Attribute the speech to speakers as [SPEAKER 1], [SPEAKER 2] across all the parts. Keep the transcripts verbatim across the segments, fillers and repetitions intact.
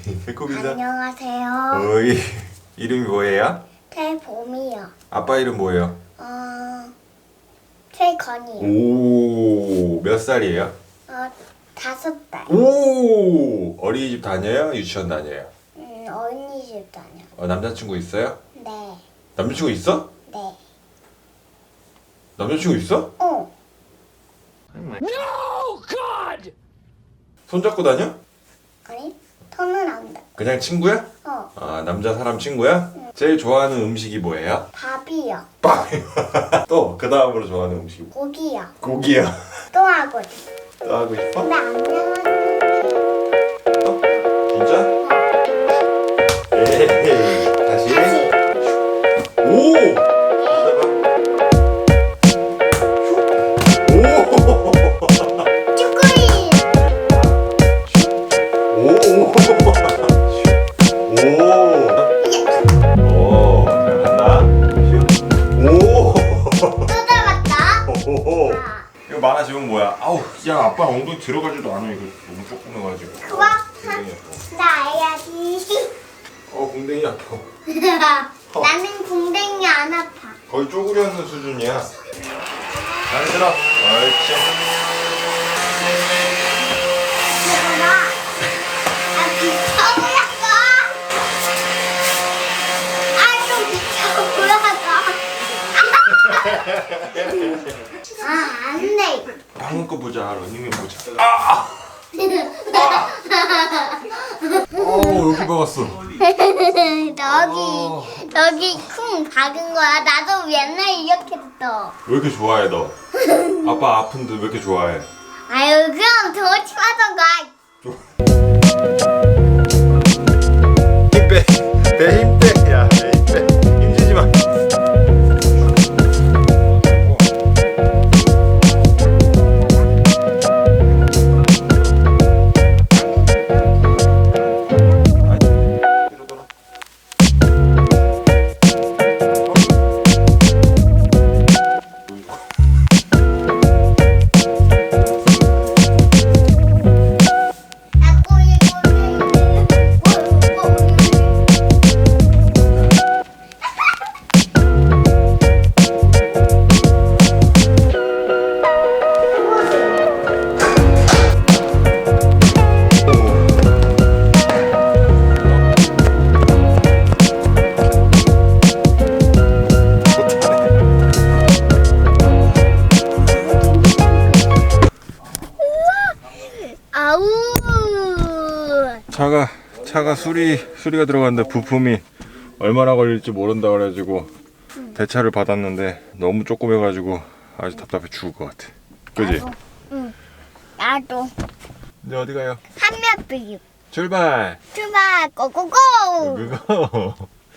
[SPEAKER 1] 배꼽 인사.
[SPEAKER 2] 안녕하세요.
[SPEAKER 1] 어이, 이름이 뭐예요?
[SPEAKER 2] 태봄이요.
[SPEAKER 1] 아빠 이름 뭐예요?
[SPEAKER 2] 어, 최건이요.
[SPEAKER 1] 오, 몇 살이에요?
[SPEAKER 2] 어, 다섯 달.
[SPEAKER 1] 오, 어린이집 다녀요? 유치원 다녀요?
[SPEAKER 2] 음, 어린이집 다녀.
[SPEAKER 1] 어, 남자친구 있어요?
[SPEAKER 2] 네.
[SPEAKER 1] 남자친구 있어?
[SPEAKER 2] 네.
[SPEAKER 1] 남자친구 있어?
[SPEAKER 2] 어.
[SPEAKER 3] No, God!
[SPEAKER 1] 손잡고 다녀?
[SPEAKER 2] 아니, 손은 안 돼.
[SPEAKER 1] 그냥 친구야?
[SPEAKER 2] 어,
[SPEAKER 1] 아, 남자 사람 친구야? 제일 좋아하는 음식이 뭐예요?
[SPEAKER 2] 밥이요.
[SPEAKER 1] 빵! 또, 그 다음으로 좋아하는 음식이 뭐?
[SPEAKER 2] 고기요.
[SPEAKER 1] 고기야.
[SPEAKER 2] 또 하고 싶어.
[SPEAKER 1] 또 하고 싶어?
[SPEAKER 2] 근데 안녕하세요.
[SPEAKER 1] 어? 진짜? 에이, 다시.
[SPEAKER 2] 다시.
[SPEAKER 1] 오! 오!
[SPEAKER 2] 쭈꾸리.
[SPEAKER 1] 오! 오! 오! 잘한다. 오!
[SPEAKER 2] 또 잡았다.
[SPEAKER 1] 오!
[SPEAKER 2] 아,
[SPEAKER 1] 이거 많아지면 뭐야? 아우, 야, 아빠 엉덩이 들어가지도 않아. 이거 너무 조그매가지고.
[SPEAKER 2] 그거
[SPEAKER 1] 공댕이 아파.
[SPEAKER 2] 나 해야지.
[SPEAKER 1] 어, 공댕이 아파.
[SPEAKER 2] 나는 궁뎅이 안 아파.
[SPEAKER 1] 거의 쪼그려는 수준이야. 잘 들어. 옳지.
[SPEAKER 2] 봐봐. 아, 비켜보라고. 아, 좀 비켜보라고. 아, 안 돼.
[SPEAKER 1] 방금 거 보자. 러닝맨 보자. 아! 어, 여기 박았어.
[SPEAKER 2] 너기, 너기 쿵 박은 거야. 나도 옛날 이렇게 했어.
[SPEAKER 1] 왜 이렇게 좋아해, 너? 아빠 아픈데 왜 이렇게 좋아해?
[SPEAKER 2] 아유, 그럼 더 심하던가.
[SPEAKER 1] 힘 빼. 배 힘 빼. 야, 배 힘 빼. 힘주지 마.
[SPEAKER 2] 아우.
[SPEAKER 1] 차가 차가 수리 수리가 들어갔는데 부품이 얼마나 걸릴지 모른다 그래가지고 대차를 받았는데 너무 조그매가지고 아주 답답해 죽을 것 같아. 그지?
[SPEAKER 2] 나도. 응. 나도.
[SPEAKER 1] 이제 어디 가요?
[SPEAKER 2] 한몇비
[SPEAKER 1] 출발.
[SPEAKER 2] 출발 고고고.
[SPEAKER 1] 그거.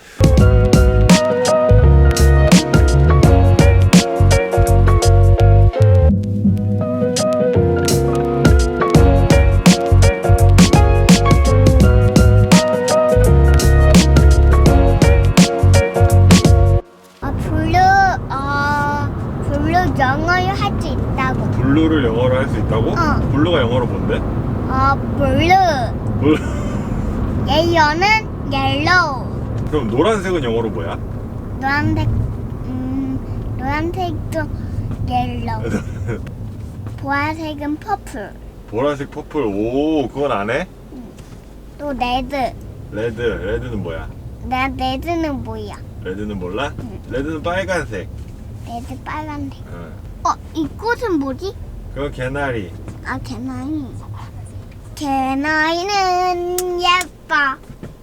[SPEAKER 2] 어, 블루, 어, 블루 영어를 할 수 있다고.
[SPEAKER 1] 블루를 영어로 할 수 있다고?
[SPEAKER 2] 어.
[SPEAKER 1] 블루가 영어로 뭔데?
[SPEAKER 2] 어, 블루.
[SPEAKER 1] 블루.
[SPEAKER 2] 옐로는 옐로우.
[SPEAKER 1] 그럼 노란색은 영어로 뭐야?
[SPEAKER 2] 노란색, 음, 노란색도 옐로우. 보라색은 퍼플.
[SPEAKER 1] 보라색, 퍼플. 오, 그건 안 해?
[SPEAKER 2] 또 레드.
[SPEAKER 1] 레드. 레드는 뭐야?
[SPEAKER 2] 나 레드는 뭐야?
[SPEAKER 1] 레드는 몰라? 레드는 빨간색.
[SPEAKER 2] 레드 빨간색.
[SPEAKER 1] 어.
[SPEAKER 2] 어, 이 꽃은 뭐지?
[SPEAKER 1] 그건 개나리.
[SPEAKER 2] 아, 개나리. 개나리는 예뻐.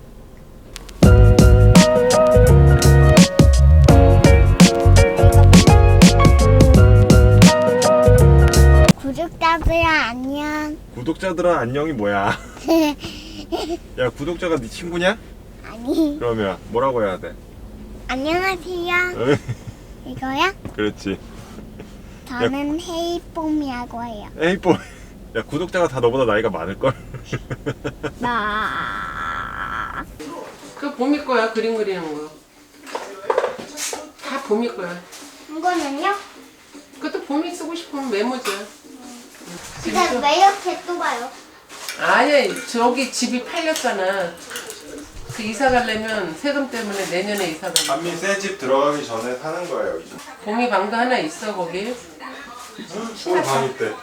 [SPEAKER 2] 구독자들 안녕.
[SPEAKER 1] 구독자들아 안녕이 뭐야? 야, 구독자가 네 친구냐?
[SPEAKER 2] 아니,
[SPEAKER 1] 그러면 뭐라고 해야 돼?
[SPEAKER 2] 안녕하세요.
[SPEAKER 1] 어이,
[SPEAKER 2] 이거야?
[SPEAKER 1] 그렇지.
[SPEAKER 2] 저는 헤이폼이라고 해요.
[SPEAKER 1] 에이 뽀. 야, 구독자가 다 너보다 나이가 많을걸?
[SPEAKER 2] 나.
[SPEAKER 4] 그 봄이 거야, 그림 그리는 거. 다 봄이 거야.
[SPEAKER 2] 이거는요?
[SPEAKER 4] 그것도 봄이 쓰고 싶으면 메모지야.
[SPEAKER 2] 근데 왜 이렇게 또 봐요?
[SPEAKER 4] 아니야, 저기 집이 팔렸잖아. 그 이사 가려면 세금 때문에 내년에 이사 가.
[SPEAKER 1] 한미 새 집 들어가기 전에 사는 거예요 이제.
[SPEAKER 4] 봄이 방도 하나 있어 거기.
[SPEAKER 1] 오늘 방 있대.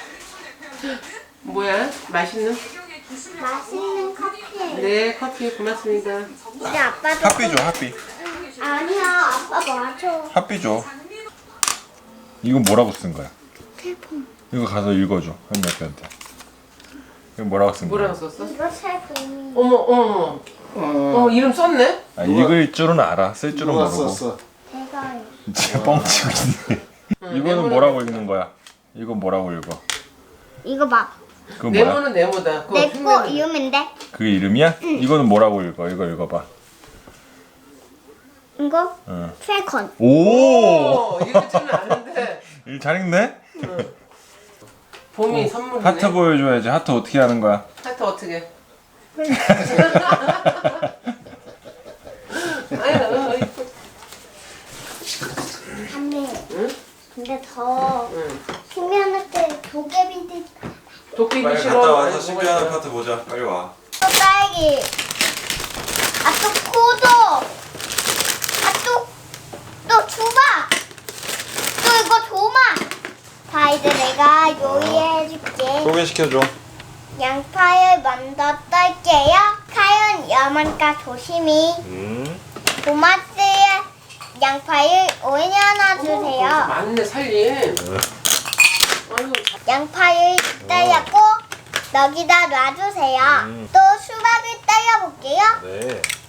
[SPEAKER 4] 뭐야? 맛있는?
[SPEAKER 2] 맛있는 커피.
[SPEAKER 4] 네, 커피 고맙습니다.
[SPEAKER 2] 이제 아빠도.
[SPEAKER 1] 핫비 줘 핫비.
[SPEAKER 2] 아니야, 아빠 맞아.
[SPEAKER 1] 핫비 줘. 이거 뭐라고 쓴 거야?
[SPEAKER 2] 태풍.
[SPEAKER 1] 이거 가서 읽어줘 현미 아빠한테. 이거 뭐라고 쓴 거야?
[SPEAKER 4] 뭐라고 썼어?
[SPEAKER 2] 이거 태풍이.
[SPEAKER 4] 어머, 어머. 어, 이름 썼네?
[SPEAKER 1] 아, 읽을 줄은 알아. 쓸 줄은
[SPEAKER 3] 누가
[SPEAKER 1] 모르고.
[SPEAKER 3] 썼어?
[SPEAKER 2] 제가요.
[SPEAKER 1] 진짜 뻥치고 있네. 이거는 뭐라고 읽는 거야? 이건 뭐라고 읽어?
[SPEAKER 2] 이거 막.
[SPEAKER 1] 그건 뭐야?
[SPEAKER 4] 네모는 네모다. 그거
[SPEAKER 2] 내 거
[SPEAKER 4] 흉내는-
[SPEAKER 2] 이름인데.
[SPEAKER 1] 그게 이름이야? 이거는 뭐라고 읽어? 이거 읽어봐.
[SPEAKER 2] 이거
[SPEAKER 1] 응.
[SPEAKER 2] 세컨.
[SPEAKER 1] 오!
[SPEAKER 4] 오, 읽을 줄은 아는데.
[SPEAKER 1] 일 잘 읽네?
[SPEAKER 4] 봄이 선물이네.
[SPEAKER 1] 하트 보여줘야지. 하트 어떻게 하는 거야?
[SPEAKER 4] 하트 어떻게? 아유, 이뻐.
[SPEAKER 2] 한미.
[SPEAKER 4] 응?
[SPEAKER 2] 근데 더
[SPEAKER 4] 응.
[SPEAKER 2] 신기한데 도깨비들
[SPEAKER 4] 도끼기 싫어. 아니, 뭐가 있어.
[SPEAKER 1] 파트 보자. 빨리 와.
[SPEAKER 2] 또 딸기. 아또 코도. 아또또 주바. 또 이거 도마. 자 이제 내가 요리해줄게.
[SPEAKER 1] 소개시켜줘.
[SPEAKER 2] 양파를 먼저 썰게요. 칼은 여만까 조심히.
[SPEAKER 1] 음.
[SPEAKER 2] 도마스에 양파를 올려놔주세요.
[SPEAKER 4] 맞네, 살림. 아유,
[SPEAKER 2] 양파를 썰었고 여기다 놔주세요.
[SPEAKER 1] 음.
[SPEAKER 2] 또 수박을 썰어볼게요.
[SPEAKER 1] 네.